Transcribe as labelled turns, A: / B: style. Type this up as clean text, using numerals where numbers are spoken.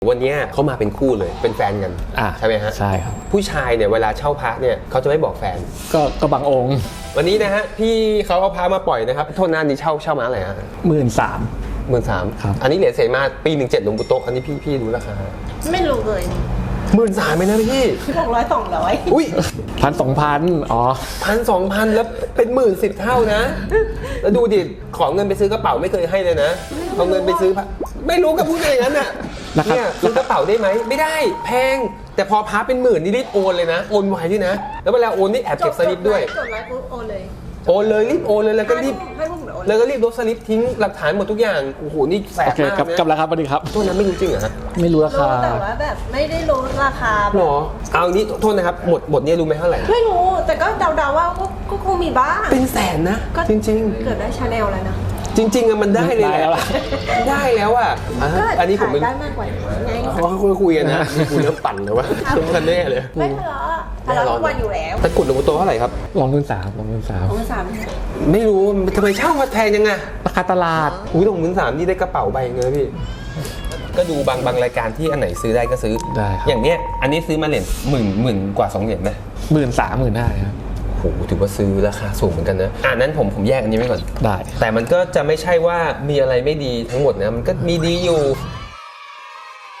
A: วันนี้เขามาเป็นคู่เลยเป็นแฟนกันใช่ไหมฮะ
B: ใช่ครับ
A: ผู้ชายเนี่ยเวลาเช่าพระเนี่ยเขาจะไม่บอกแฟน
B: ก็บางองค์
A: วันนี้นะฮะพี่เขาเอาพระมาปล่อยนะครับโทษนะนี้เช่ามาอะไรฮะ
B: 13,000
A: ครับอันนี้เหรียญเสมาปี17หลวงปู่โตะอันนี้พี่รู้ราคา
C: ไม่รู้เลย
A: 13,000ไหมนะพี่
C: 600-200
A: อุ้ย
B: 1,000-2,000อ๋อ
A: 1,000-2,000แล้วเป็น10,000เท่านะแล้วดูดิขอเงินไปซื้อกระเป๋าไม่เคยให้เลยนะเอาเงินไปซื้อพระไม่รู้กับพูดอะไรอย่างนั้นน่ะเนี่ยซื้อกระเป๋าได้ไหมไม่ได้แพงแต่พอพระเป็น10,000นี่รีบโอนเลยนะโอนไวด้วยนะแล้วเวลาโอนนี่แอบเก็บสลิปด้วย
C: จดไลฟ์ปุ๊บโอนเลย
A: รีบโอนเลยแล้วก็รีบลบสลิปทิ้งหลักฐานหมดทุกอย่างโอ้โหนี่แสบมากนะ
B: กลับแล้วครับสวัสดีครับ
A: ตัวนั้นไม่รู้จริงเหรอฮะ
B: ไม่รู้ราคา
C: แต่ว่าแบบไม่ได้รู้ราคา
A: หรอเอานี้โทษนะครับหมดนี้รู้ไหมเท่าไหร่
C: ไม่รู้แต่ก็เดาๆว่าก็คงมีบ้าง
A: เป็นแสนนะจริง
C: ๆเกิดได้ชาแนลแล้วนะ
A: จริงๆอะมันได้เลยแหละได้แล้วอะอันนี้ผมไม่
C: ได้มากกว่าไง
A: เขาคุยกันนะคุยเรื่องปั่นเลยว่ากันแน่เลย
C: ไม่ทะเลาะทุกวันอยู่แล้ว
A: ตะกุดหลวงปู่โตเท่าไหร่ครับ
B: 23,000
A: ไม่รู้ทำไมเช่ามาแพงยังไง
B: ราคาตลาด
A: 23,000นี่ได้กระเป๋าใบเงินพี่ก็ดูบางรายการที่อันไหนซื้อได้ก็ซื้ออย่างเนี้ยอันนี้ซื้อมาเหรียญหมื่นกว่า2เหรียญไหม
B: 13,000-15,000ครับ
A: โหถือว่าซื้อราคาสูงเหมือนกันนะนั้นผมแยกอันนี้ไว้ก่อน
B: ได้
A: แต่มันก็จะไม่ใช่ว่ามีอะไรไม่ดีทั้งหมดนะมันก็มีดีอยู่